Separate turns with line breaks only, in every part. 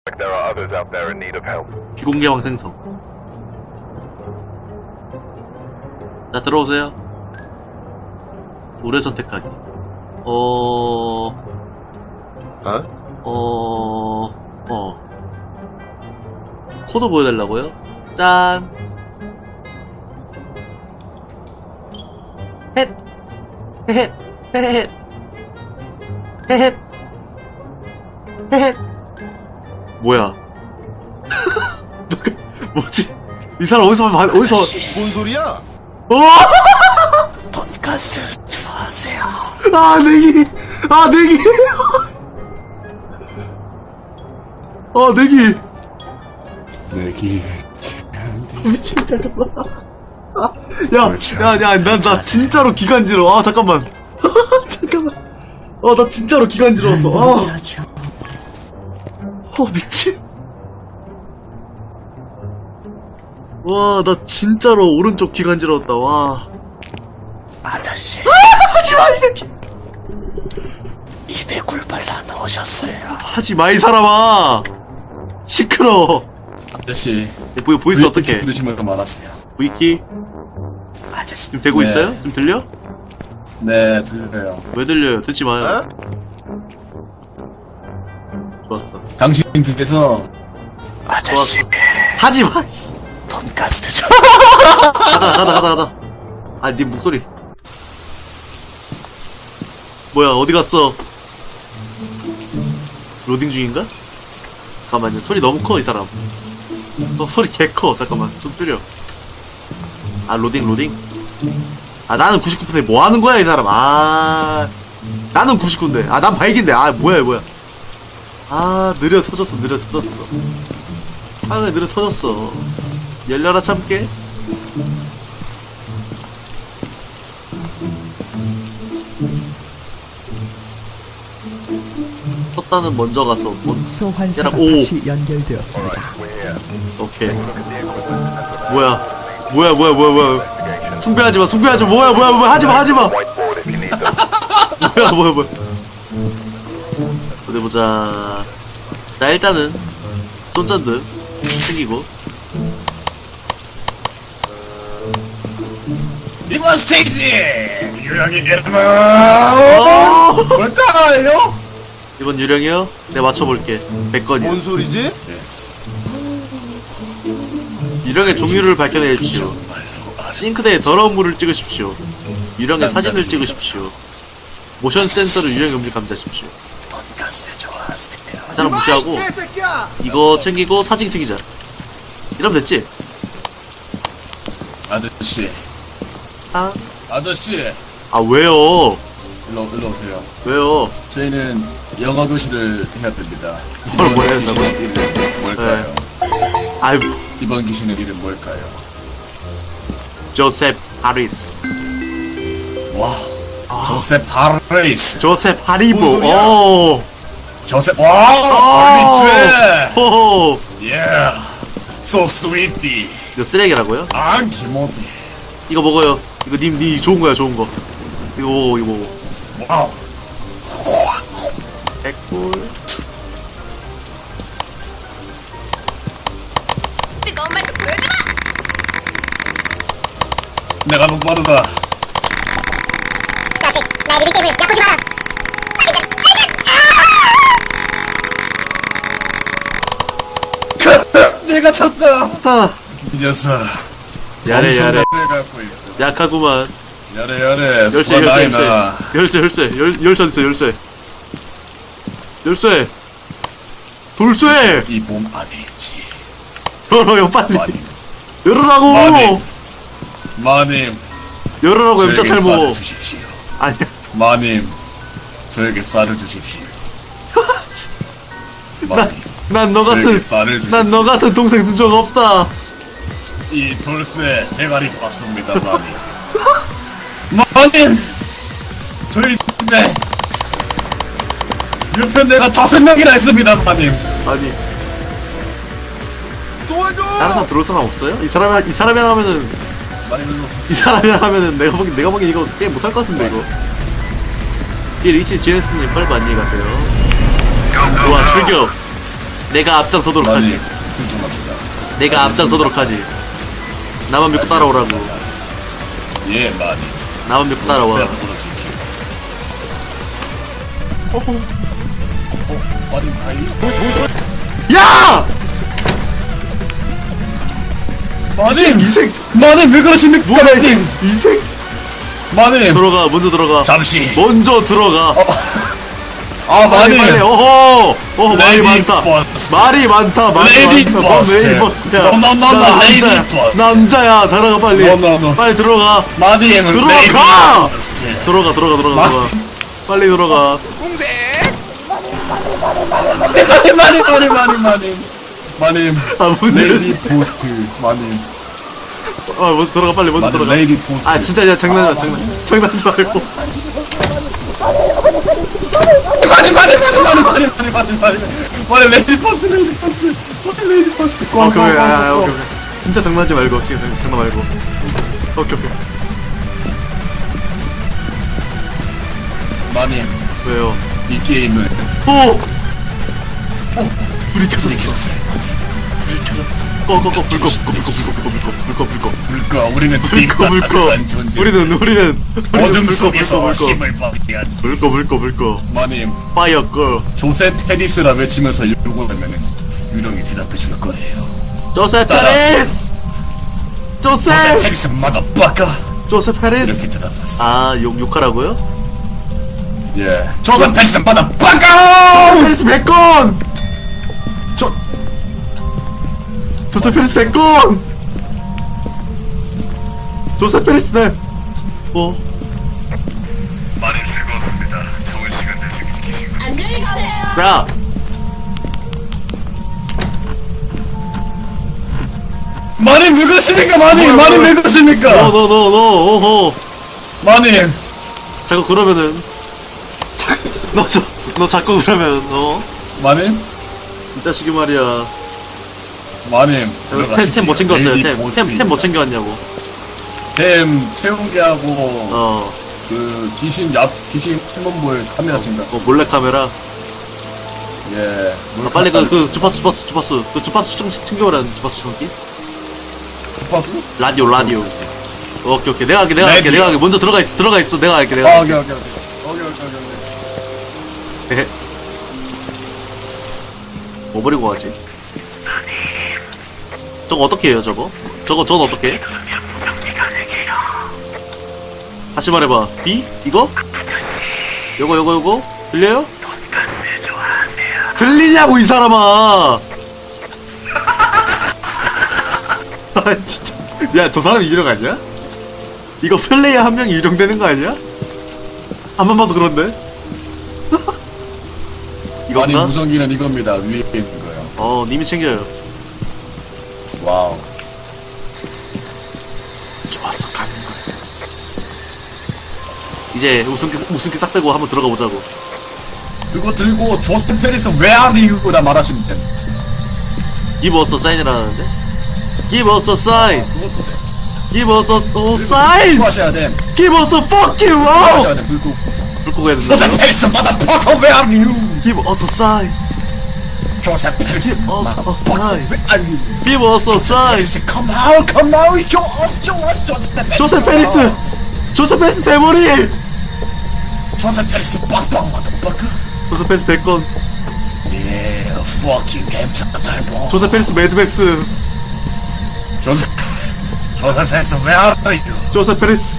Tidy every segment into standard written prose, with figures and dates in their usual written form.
There are others out there in need of help.
비공개왕 생성. 자, 들어오세요. 노래 선택하기. 코드 보여달라고요? 짠! 헷! 헤헷! 헤헷! 헤헷! 헤헷! 뭐야? 뭐지? 이 사람 어디서
뭔 소리야?
돈가스 좋아하세요?
아, 내기! 아, 내기! 아, 내기!
내기
미친, 잠깐만. 아, 야, 나 진짜로 기간지러워. 아, 잠깐만. 잠깐만. 나 진짜로 기간지러웠어. 미친. 와, 나 진짜로 오른쪽 기간지러웠다. 와.
아저씨
하지마, 이 새끼!
입에 굴 발라 넣으셨어요.
하지마, 이 사람아! 시끄러워.
아저씨
보이스 어떡해?
부르시면 말하세요.
V키?
아저씨
지금 되고
네.
있어요? 지금 들려?
네 들려요.
왜 들려요? 듣지 마요. 좋았어.
당신 댁에서 아저씨
하지마!
돈가스 좀
가자. 아, 네 목소리. 뭐야, 어디 갔어? 로딩 중인가? 잠깐만요. 소리 너무 커, 이 사람. 소리 개 커. 잠깐만. 좀 줄여. 아, 로딩. 아, 나는 99%인데 뭐 하는 거야, 이 사람. 아, 나는 99인데. 아, 난 발기인데. 아, 뭐야. 아, 느려 터졌어. 화면이 느려 터졌어. 열려라, 참깨. 섰다는 먼저 가서
소환사가
오.
다시 연결되었습니다.
오케이. 뭐야. 숭배하지 마. 뭐야. 하지 마.
Whiteboard if you need them.
뭐야. 어디 보자. 자, 일단은 손전등 챙기고.
이번 스테이지 유령이 이름은
어!
뭘까요?
이번 유령이요? 내가 맞춰볼게. 100건이야.
뭔 소리지?
유령의 종류를 밝혀내 주십시오. 싱크대에 더러운 물을 찍으십시오. 유령의 사진을 찍으십시오. 모션 센서로 유령의 음질 감지하십시오.
돈가스 좋아하세요?
사람 무시하고 이거 챙기고 사진 챙기자. 이러면 됐지?
아저씨 아저씨
아, 왜요?
일로 오세요.
왜요?
저희는 영어 교실을 해야 됩니다.
뭘
이번
한다고요?
귀신의 이름 뭘까요?
아이,
이번 귀신의 이름 뭘까요?
조셉 하리스.
와 조셉 하리스
조셉 하리보.
뭔 소리야?
오.
조셉 와 설비죄
호호.
yeah so sweetie
이거 쓰레기라고요?
안기모디
이거 먹어요. 이거 님 좋은 거야, 좋은 거. 이거 먹어.
와우
개꿀.
너만 좀 보여줘라!
내가 너무 빠르다. 내가 쳤다.
아,
이 녀석.
야래.
엄청난 걸 갖고 있다.
약하구만.
야래.
열쇠
수가 나이나.
열쇠 있어, 열쇠. 돌쇠.
이 몸 안에 있지.
열어요, 빨리.
마님.
열으라고.
마님.
열으라고, 엠자
저에게
탈모.
쌀을 주십시오.
아니야.
마님. 저에게 쌀을 주십시오. 마님.
난 너
저에게
같은,
쌀을 주십시오.
난 너 같은 동생 둔 적 없다.
이 돌쇠 대가리 봤습니다, 마님. 마님! 저희 집에 유편대가 5명이나 있습니다, 마님.
아니,
도와줘!
다른 사람 들어올 사람 없어요? 이 사람이랑 하면은, 내가 보기엔 이거 게임 못할 것 같은데, 이거. 이 리치 지네스님 빨리 안녕히 가세요. 좋아, 출격. 내가 앞장서도록
마님,
하지.
훌륭합니다.
내가 앞장서도록 하지. 나만 믿고 따라오라고.
예, 마님.
나만 믿고 따라와.
부르십시오. 마님 다이.
야!
마님!
이생
마님 왜 그러십니까?
뭐야
마님!
이생
마님!
들어가 먼저 들어가.
잠시.
먼저 들어가.
아,
빨리
마님!
빨리. 어허 말이
레이디
많다.
버스트.
말이 많다. 말이
레이디
많다.
버스트.
레이디 버스트야.
No, no, no, no,
나
레이디
남자야.
버스트.
남자야. 들어가 빨리.
No, no, no.
빨리 들어가.
마님!
들어가!
레이디 버스트.
들어가. 빨리 들어가.
마님!
아 문
레이디
열려.
포스트. 마님.
먼저 들어가 빨리 먼저
마님,
들어가.
레이디 포스트.
아 진짜 야 장난하지 말고.
마님, 레이디 포스트. 레이디 포스트.
오케이. 진짜 장난하지 말고. 진짜 장난 말고. 오케이.
마님,
왜요?
이 게임을
오! 불이 켜졌어. 꺼. 불꺼.
불꺼. 우리는 띵박한 존재.
우리는
어둠
불꺼.
속에서 힘을 발휘하지.
불꺼.
마님,
파이어 걸.
조세 페리스라 외치면서 요구하면 유령이 대답해 줄 거예요.
조세
따라하세요.
페리스.
조세
조세
페리스 마더바카.
조세
이렇게
페리스.
대답했어.
아 욕하라고요?
예. 조세 페리스 마더바카.
페리스 100건. 조세 페리스 100건. 조세 페리스 네.
많이 즐거웠습니다. 좋은 시간 되시길 기시고.
안녕히 가세요.
야.
마님 왜 그러십니까? 마님 왜 그러십니까?
너 오호.
마님.
자꾸 그러면은 너 자꾸 그러면
마님.
이 자식이 말이야.
마님.
템 뭐 챙겨왔어요? 템 뭐 챙겨왔냐고.
템 채운 게 하고
어
그 귀신 팀원볼 카메라 챙겼어.
몰래 카메라.
예.
빨리 그 주파수 그 주파수 챙겨오라는 주파수 충전기.
주파수?
라디오. 오케이. 내가 할게. 먼저 들어가 있어. 내가 할게.
아, 오케이.
뭐 버리고 가지? 저거 어떻게 해요, 저거? 저건 어떻게 해? 다시 말해봐. B? 이거? 요거? 들려요? 들리냐고, 이 사람아! 아, 진짜. 야, 저 사람 유령 아니야? 이거 플레이어 한 명이 유령되는 거 아니야? 한 번 봐도 그런데?
마님
이건가?
무전기는 이겁니다. 위에 있는 거요.
님이 챙겨요.
와우.
좋았어, 가는 거야. 이제 웃음기 싹 빼고 한번 들어가 보자고.
그거 들고 조스 페리스 Where are you?라 말하시면 돼.
Give us a sign이라는데? Give us a sign!
그것도 돼.
Give us a sign!
불 하셔야 돼.
Give us a fuck you!
불 하셔야 돼. 불 끄고.
불 끄고 해야
조스
된다.
페리스 motherfucker Where are you?
Give us a sign!
조세 페리스
Give us a
motherfucker
sign!
Where are you?
Give us a sign!
페리스 come out show us
조세 페리스! 조세 페리스 대머리!
조세 페리스 빡빡 motherfucker.
조세 페리스 100건.
Yeah fucking 엠차 달보.
조세 페리스 매드맥스.
조세 페리스 Where are you?
조세 페리스.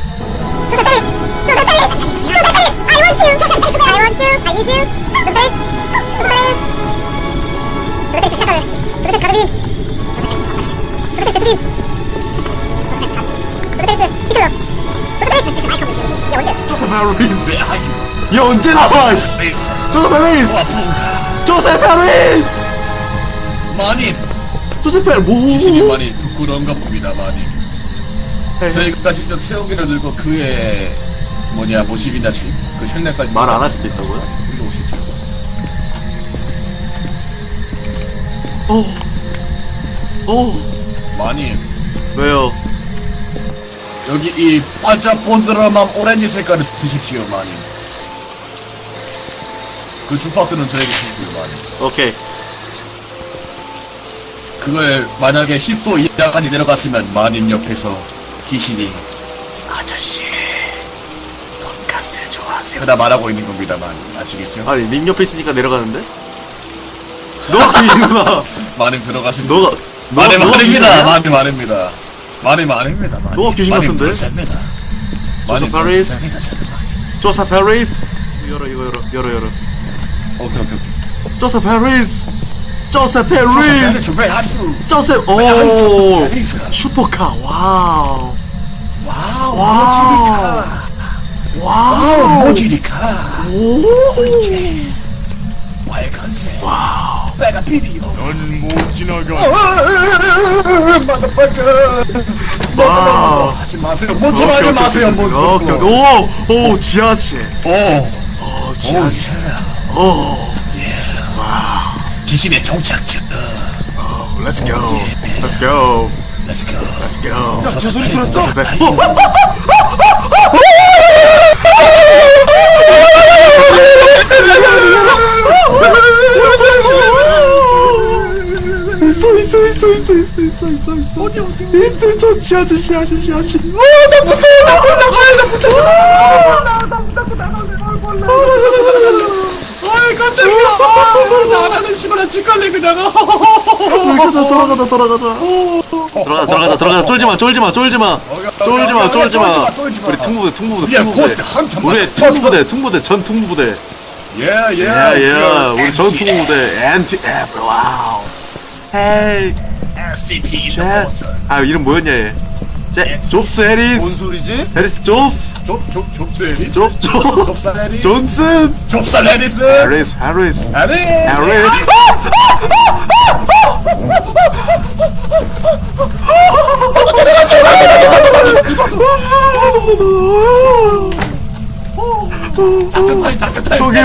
조세 페리스.
Where are you?
얘 언제 나와, 씨!
페리스
조세 페리스!
와풍가.
조세 페리스!
마님
조세 페리스,
귀신이
뭐?
많이 부끄러운가 봅니다 마님. 저희가 직접 채우기를 들고 그의 모십이나 그 실내까지
말 안 할 수도 있다고요?
일로 오시죠. 마님
왜요?
여기 이 반짝본드라만 오렌지 색깔을 드십시오 마님. 그 주파수는 저에게 주시고요 마님.
오케이.
그걸 만약에 10도 이하까지 내려갔으면 마님 옆에서 귀신이 아저씨 돈가스 좋아하세요? 나 말하고 있는 겁니다만 아시겠죠?
아니 님 옆에 있으니까 내려가는데? 너가 귀신이구나.
마님 들어가신
너가
마님
너가
아닙니다.
귀신이야?
마님 아닙니다. 마님 아닙니다. 마님.
너가 귀신
마님
같은데?
불쌍합니다.
조사
마님
파리스.
불쌍합니다, 저는 마님.
조사 페리스. 열어 이거 열어.
오케이.
조사 페리스. 조사 페리스.
Where are you?
조셉 오
페리스.
슈퍼카 와우
와우,
와우.
모지리카.
와우
모지리카.
오
빨간색.
와우
빨간 비디오.
넌못 지나가.
와우
하지 마세요. 먼저 하지 마세요. 먼저.
오 지하실
오,
지하실 오
귀신의 종착점.
Let's go Let's go
Let's go.
Let's go
야, 저 소리 들었어? 있어 어디 저 지하실 나 무서워
아이 깜짝이야. 나라는 시발한 직갈래 그냥.
돌아가자 쫄지마 우리
야, 고스트 헌터
우리 퉁부대 전 퉁부대 우리 전 퉁부대 엔티 와우 헤이
SCP
제 이름 뭐였냐 얘 존스
뭔
해리스
소리지?
해리스 존스
좁스 해리스.
존슨
좁살 해리스.
존슨
좁살 해리스.
해리스
해리스. 작전 타임.
오케이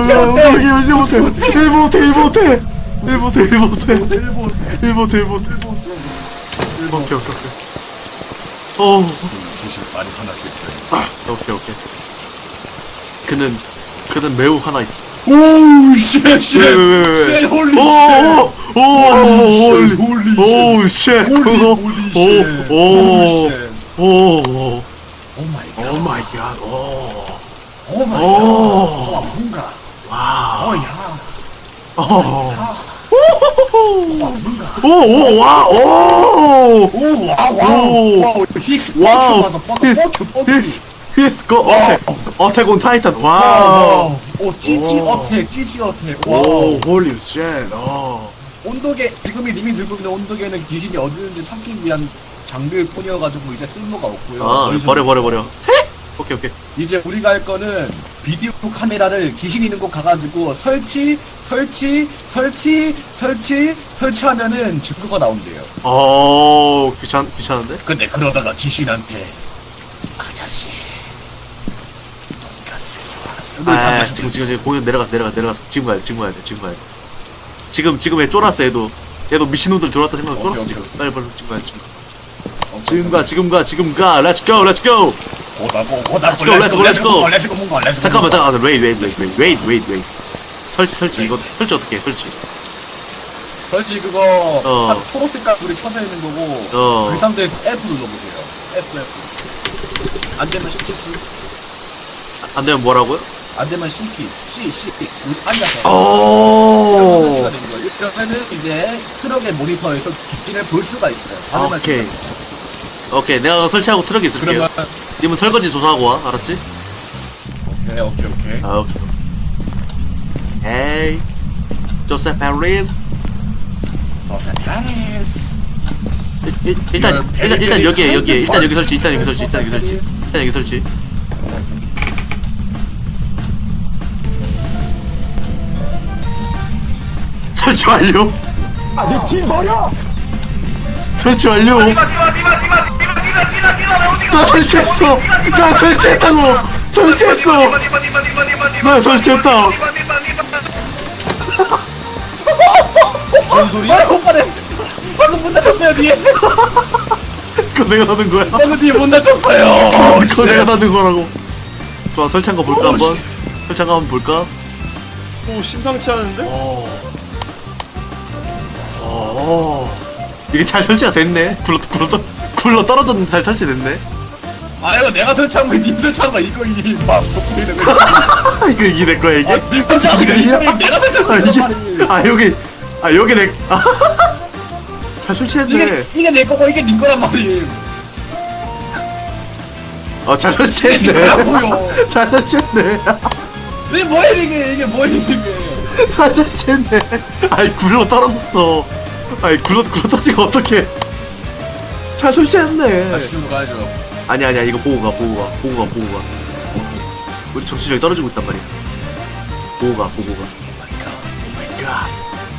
귀신 많이 화났을 거예요.
오케이 그는 매우 화나 있어
오우 쉣.
왜
홀리
오 마이 갓
뭔가.
와우
어야. 와우. 힉스 뻑큐.
Yes, go 어택 온 타이탄 와우
오 찌찌 어택.
오 홀리 쉣
온도계 지금이 님이 들고 있는 온도계는 귀신이 어디 있는지 찾기 위한 장비뿐이어가지고 이제 쓸모가 없고요.
버려 오케이
이제 우리가 할 거는 비디오 카메라를 귀신 있는 곳 가가지고 설치하면은 증거가 나온대요.
귀찮은데?
근데 그러다가 귀신한테 아저씨 돈가스 좋아하세요?
지금 공연 내려갔어 지금 가야 돼 지금 얘 쫄았어 얘도 미친놈들 쫄았다 생각하고 쫄았어
오케이,
지금
오케이.
빨리 지금 가야 돼 지금 가 Let's go
Let's go.
잠깐만 wait 설치 이거 설치 어떻게 해
설치 그거
어.
초록색깔 불이 켜져 있는 거고 그 상태에서 F 눌러보세요. F 안 되면 CT
안되면 뭐라고요?
안 되면 CT C 앉아서
오
설치가 된 거예요. 그러면은 이제 트럭의 모니터에서 귀신을 볼 수가 있어요. 다른
오케이 내가 설치하고 트럭에 있을게요
그러면
님은 설거지 조사하고 와 알았지?
오케이.
오케이 헤이 조셉 해리스 일단 여기에 일단 여기 설치 설치 완료 설치 완료 나 설치했어 나 설치했다
뭔 소리야?
방금 문 닫혔어요 뒤에.
그거 내가 닫은 거야
방금 뒤에 문 닫혔어요.
그거 내가 닫은 거라고 좋아 설치한 거 볼까 한번 설치한 거 한번 볼까
오 심상치 않은데?
오 이게 잘 설치가 됐네. 굴러 떨어졌는데 잘 설치됐네.
아 이거 내가 설치한 거야 님 설치한 거야 이거 막 보이는 거
이게 내 거야 이게?
님 설치한 거야
이게
이거 내가 설치한 거야
여기 내 잘 설치했네.
이게 내 거고 이게 님 거란 말이에요
잘
이게
설치했네.
뭐야
잘 설치했네.
이게 뭐야 이게 뭐야 이게
잘 설치했네. 아이 굴러 떨어졌어. 아이 굴러 떨어지고 어떡해. 잘 설치했네.
다시 좀 가야죠
아니야 이거 보고 가. 우리 정신력이 떨어지고 있단 말이야. 보고 가. 야.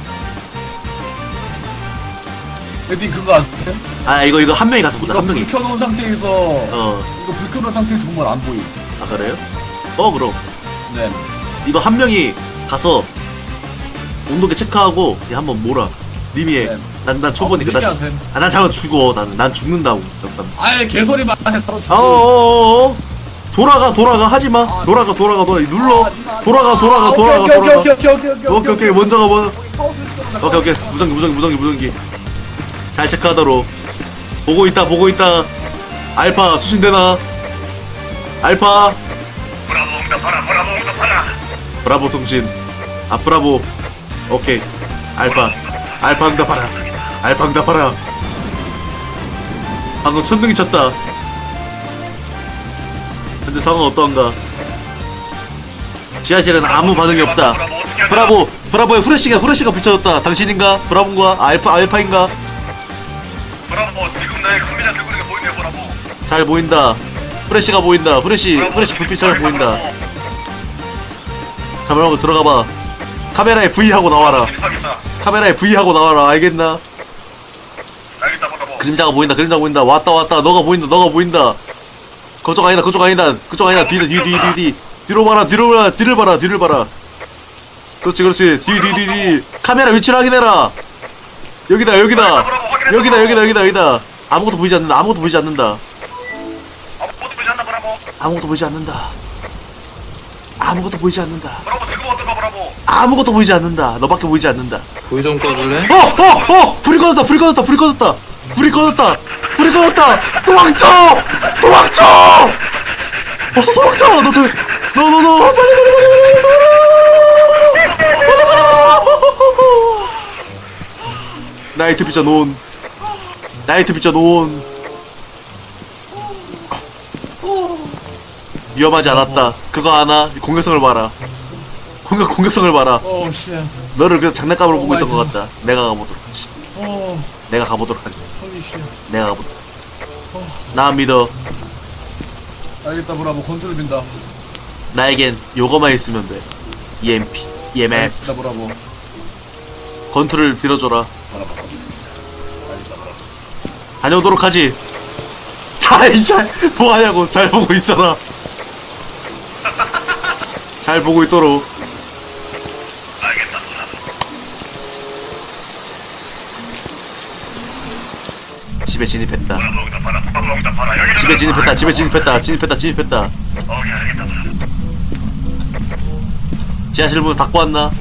님 그거 아세요?
아 이거 한 명이 가서 보자.
이거
한 명이.
불 켜놓은 상태에서 이거 불 켜놓은 상태에서 정말 안 보임
아 그래요? 그럼
네
이거 한 명이 가서 온도계 체크하고 얘 한번 몰아. 님이 해.
네.
난 초보니까
그렇게 하세요.
난 잠깐 죽어. 난 죽는다고. 잠깐.
아예 개소리 마세요 따로 치고
어어어어. 돌아가 하지마. 돌아가 눌러. 돌아가. 오케이 먼저 가. 오케이 무전기. 잘 체크하도록. 보고 있다. 알파 수신되나? 알파.
브라보 응답하라.
브라보 송신. 브라보. 오케이. 알파 응답하라. 방금 천둥이 쳤다. 현재 상황은 어떠한가? 지하실은 아무 반응이 없다. 브라보에 후레쉬가 붙여졌다. 당신인가? 브라보인가? 알파인가?
브라보 지금 나의 카메라 들고 있는 게 보이네요 브라보.
잘 보인다. 후레쉬가 보인다. 후레쉬 불빛 잘 보인다. 잠깐만 들어가봐. 카메라에 V 하고 나와라. 카메라에 V 하고 나와라. 알겠나?
알겠다 브라보.
그림자가 보인다. 왔다. 너가 보인다. 그쪽 아니다. 뒤로 봐라. 뒤를 봐라. 그렇지. 뒤. 카메라 위치를 확인해라. 여기다. 아무것도 보이지 않는다.
아무것도 보이지 않나 브라보.
아무것도 보이지 않는다.
브라보 지금 어떤가 브라보.
아무것도 보이지 않는다. 너밖에 보이지 않는다.
불 좀 꺼줄래?
불이 꺼졌다. 도망쳐! 어서 도망쳐! 너 빨리. 나이트 비전 온. 위험하지 않았다. 그거 하나 공격성을 봐라. 공격성을 봐라.
오우 씨
너를 그냥 장난감으로 보고 있던 것 같다. 내가 가보도록 하지.
홀리 씨
나 믿어.
알겠다 브라보 건조를 빈다
나에겐 요거만 있으면 돼. EMP.
알겠다 브라보
건투를 빌어줘라.
브라보 알겠다 브라보
다녀오도록 하지. 뭐하냐고. 잘 보고 있어라. 잘 보고 있도록.
알겠다 브라보.
집에 진입했다.
브라보 응답하라. 여기
집에 진입했다.
오케이 알겠다 브라보.
지하실 문 닫고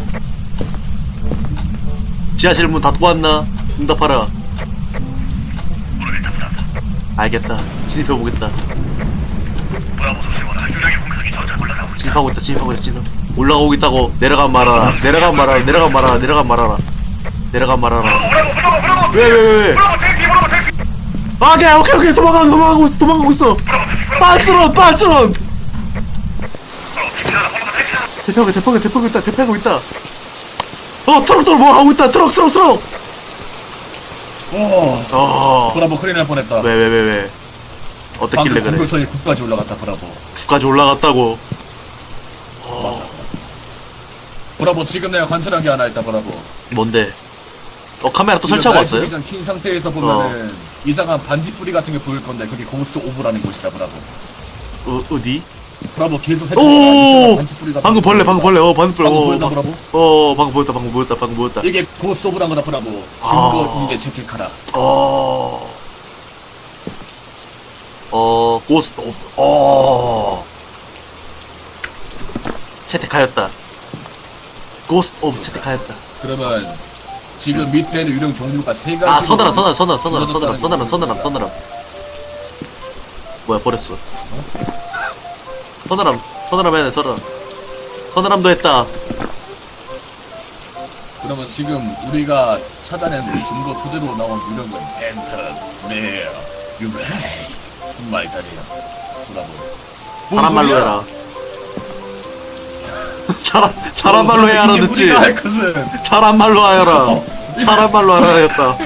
왔나? 응답하라.
모르겠다 브라보.
알겠다. 진입해보겠다.
브라보 조심하라. 유령의 공격이 점점 올라가고 있다.
진입하고 있다. 올라가고 있다고. 내려간 말아라.
브라보.
왜?
브라보 택시.
오케이. 도망가고 있어. 빠스런.
브라보 택시하라.
대피하고 있다. 트럭 뭐 하고 있다. 트럭.
오 브라보 큰일 날 뻔했다
왜? 어떻길래
방금
그래?
공격선이 9까지 올라갔다 브라보
9까지 올라갔다고.
브라보 지금 내가 관찰한 게 하나 있다 브라보
뭔데? 카메라 또 설치하고 왔어요?
지금 킨 상태에서 보면은 이상한 반딧불이 같은 게 보일 건데 그게 고스트 오브라는 곳이다 브라보
어디?
브라보 계속
오!
반딧불이 같은
방금 벌레.
방금 보였나 브라보?
방금 보였다.
이게 고스트 오브라는 거다 브라보 증거 이게 채택하라
고스트 채택하였다. 고스트 오브 채택하였다.
그러면 지금 밑에는 유령 종류가 세 가지.
아, 서늘함. 뭐야, 버렸어. 서늘함 해야 돼, 서늘함도 했다.
그러면 지금 우리가 찾아낸 증거 토대로 나온 유령은 팬텀, 메어, 유레이 무슨 말이 다르냐? 뭐라고?
사람 말로 해라. 사람 말로 해야 하라
이제
듣지?
우리가 할 것은
사람 말로 하여라. 사람 말로 하라 했다.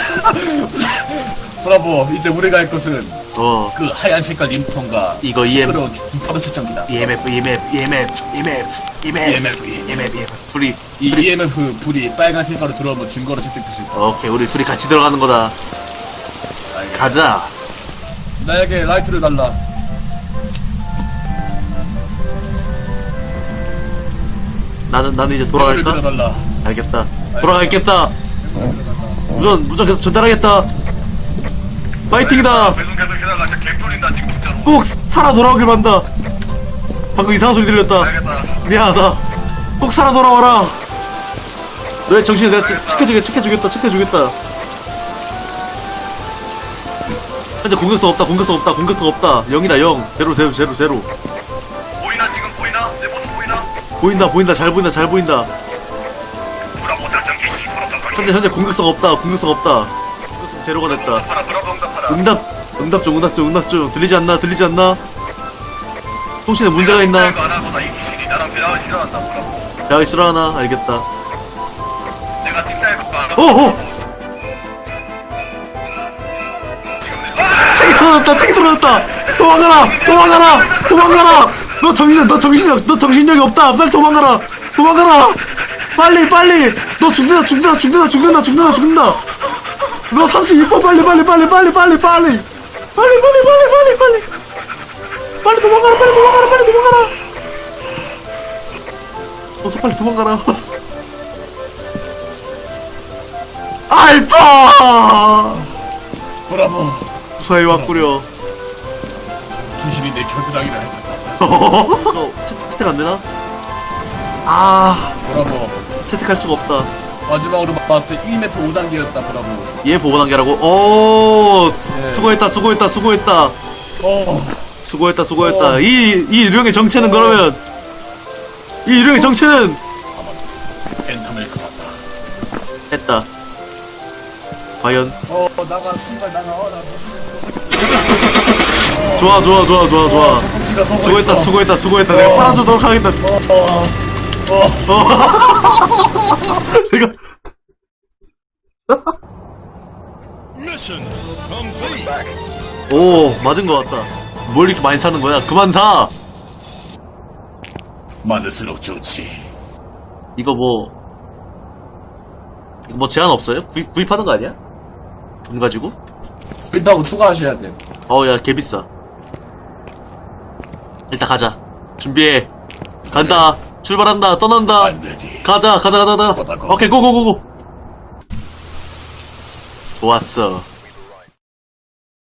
브라보. 이제 우리가 할 것은
어.
그 하얀 색깔 림폰과
이거
시끄러운 주파수 측정기다.
EMF. 둘이,
이 EMF 불이 빨간 색깔로 들어오면 증거로 채택될 수 있다.
오케이, 우리 둘이 같이 들어가는 거다. 가자.
나에게 라이트를 달라.
나는 이제
라이트를
돌아갈까?
달라.
알겠다. 돌아가겠다. 무전 계속 전달하겠다. 파이팅이다.
배송 계속 해다가 진짜 개뿔인다 지금 진짜로.
꼭 살아 돌아오길 바란다. 방금 이상한 소리 들렸다.
알겠다.
미안하다. 꼭 살아 돌아와라. 너의 정신을 내가 체크해주겠다. 현재 공격성 없다. 0이다 0. 제로.
보이나 지금 보이나? 내 모습 보이나?
보인다. 잘 보인다.
브라보 작전 개시. 브라보
현재 공격성 없다. 공격성 제로가 됐다.
응답하라. 브라보 응답하라.
응답 중. 들리지 않나? 통신에 문제가 있나?
이거 안 하고 나이 귀신이 나랑 대화를 싫어한다. 브라보.
대학이 싫어하나? 알겠다.
내가 뒷사에 갖고 안
오호! 책이 떨어졌다! 도망가라! 너 정신력이 없다! 빨리 도망가라! 빨리! 너 죽는다! 너 32번 빨리 도망가라! 어서 빨리 도망가라! 알파!
브라보.
무사히 왔구려.
귀신이 내 겨드랑이를 핥았다.
너 채택 안 되나? 아,
브라보.
채택할 수가 없다.
마지막으로 봤을 때 1m 5단계였다. 브라보.
얘 보고 단계라고? 오,
네.
수고했다. 이 유령의 정체는 그러면 이 유령의 정체는
팬텀일 것 같다.
했다. 과연?
나가 신발 나가. 나
좋아.
척꿈치가 서고 있어.
수고했다. 내가 빨아주도록 하겠다. 내가 오, 맞은 것 같다. 뭘 이렇게 많이 사는 거야? 그만 사.
많을수록 좋지.
이거 뭐 제한 없어요? 구입하는 거 아니야? 돈 가지고?
일단 추가하셔야 돼.
야, 개비싸. 일단 가자. 준비해. 간다. 출발한다. 떠난다.
I'm ready.
가자.
가자.
오케이, 고고고고. 좋았어.